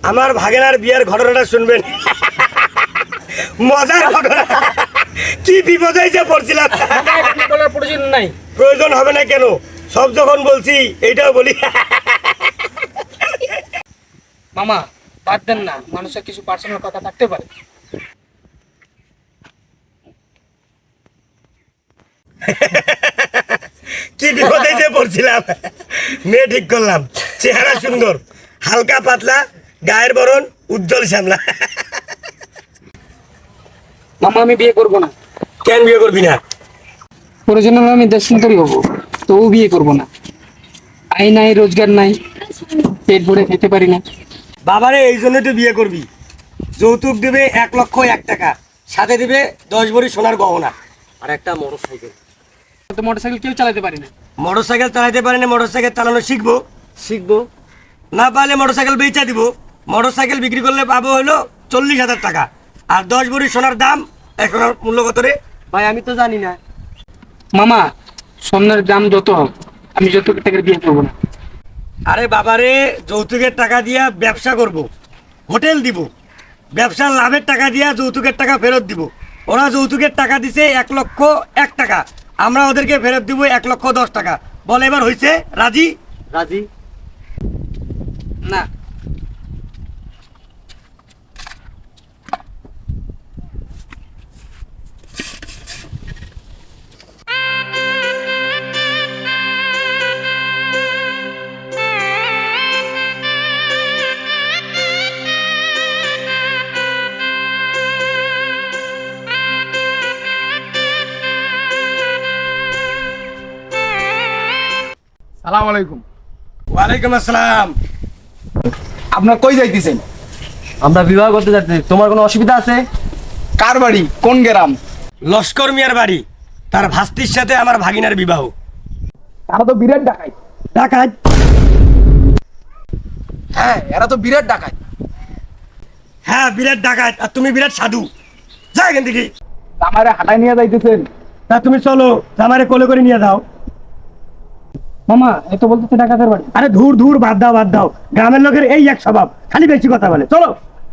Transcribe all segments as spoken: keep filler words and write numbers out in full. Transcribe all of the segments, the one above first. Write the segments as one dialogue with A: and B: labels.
A: আমার ভাগেনার বিয়ের ঘটনাটা শুনবেন। মজার ঘটনা। কি বিপদ হয়েছে পড়ছিলাম।
B: বলার প্রয়োজন নাই।
A: প্রয়োজন হবে না কেন, সব যখন বলছি এইটাও বলি।
B: মামা বাদ দেন না, মানুষের কিছু পার্সোনাল কথা থাকতে পারে।
A: কি বিপদ হয়েছে পড়ছিলাম। মেয়ে ঠিক করলাম, চেহারা সুন্দর, হালকা পাতলা, গায়ের বরণ উজ্জ্বল শ্যামলা।
B: মামা আমি বিয়ে করব না।
A: কেন বিয়ে করবি না?
B: প্রয়োজন হলে আমি দেশ সুন্দরী হবো, তবু বিয়ে করব না। আয় নাই, রোজগার নাই, পেট ভরে খেতে পারি না।
A: বাবারে এই জন্য তো বিয়ে করবি। যৌতুক দিবে এক লক্ষ এক টাকা, সাথে দিবে দশ ভরি সোনার গহনা আর একটা মোটর সাইকেল।
B: তো মোটরসাইকেল কেউ চালাতে পারি না।
A: মোটর সাইকেল চালাতে পারে না, মোটর সাইকেল চালানো শিখবো শিখবো না পারলে মোটর সাইকেল বেচা দিব। মোটর সাইকেল বিক্রি করলে পাবো হলো চল্লিশ হাজার টাকা। আর দশ ভরি সোনার দাম এখন মূল্য কত রে
C: ভাই? আমি তো জানি না।
B: মামা স্বর্ণের দাম যত হোক, আমি যত টাকার বিয়ে করবো না।
A: আরে বাবারে, যৌতুকের টাকা দিয়া ব্যবসা করব, হোটেল দিব, ব্যবসার লাভের টাকা দিয়া যৌতুকের টাকা ফেরত দিব। ওরা যৌতুকের টাকা দিছে এক লক্ষ এক টাকা, আমরা ওদেরকে ফেরত দিব এক লক্ষ দশ টাকা। বলে এবার হয়েছে রাজি?
C: রাজি।
B: না।
D: সালাম আলাইকুম।
A: ওয়ালাইকুম আসসালাম।
D: আপনার কই যাইতেছেন?
C: আমরা বিবাহ করতে যাচ্ছি, তোমার কোনো অসুবিধা আছে?
D: কার বাড়ি, কোন গ্রাম?
A: লস্কর মিয়ার বাড়ি, তার ভাস্তির সাথে আমার ভাগিনার বিবাহ।
D: তারা তো বিরাট ডাকাত।
A: ডাকাত?
D: হ্যাঁ, এরা তো বিরাট ডাকাত।
A: হ্যাঁ বিরাট ডাকাত, আর তুমি বিরাট সাধু। যা এখান থেকে।
D: আমারে হাঁটাই নিয়ে যাইতেছেন?
A: তা তুমি চলো, আমারে কোলে করে নিয়ে যাও।
B: মামা এত বলতেছে ডাকাতের বাড়ি।
A: আরে ধুর ধুর, বাদ দাও বাদ দাও, গ্রামের লোকের এই এক স্বভাব, খালি বেশি কথা বলে। চলো।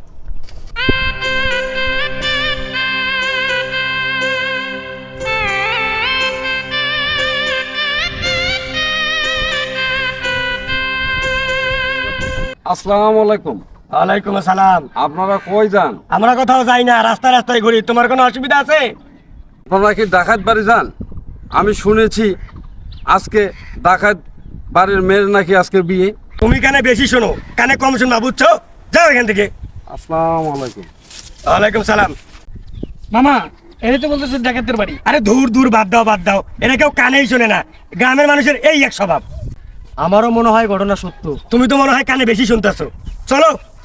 E: আসসালামু আলাইকুম।
A: ওয়ালাইকুম আসসালাম।
E: আপনারা কই যান?
A: আমরা কোথাও যাই না, রাস্তায় রাস্তায় ঘুরি। তোমার কোনো অসুবিধা আছে?
E: আপনারা কি ডাকাত বাড়ি যান? আমি শুনেছি আজকে ডাকাত বাড়ির মেয়ের নাকি আজকে বিয়ে।
A: তুমি কানে বেশি শোনো, কানে কম শোনা, বুঝছো? যাও এখান থেকে।
E: আসসালামু আলাইকুম।
A: ওয়ালাইকুম সালাম।
B: মামা এর তো বলতেছে ডাকাতের বাড়ি।
A: আরে ধুর ধুর, বাদ দাও বাদ দাও, এটা কেউ কানেই শোনে না। গ্রামের মানুষের এই এক স্বভাব।
C: আমারও মনে হয় ঘটনা সত্য।
A: তুমি তো মনে হয় কানে বেশি শুনতেছো। চলো।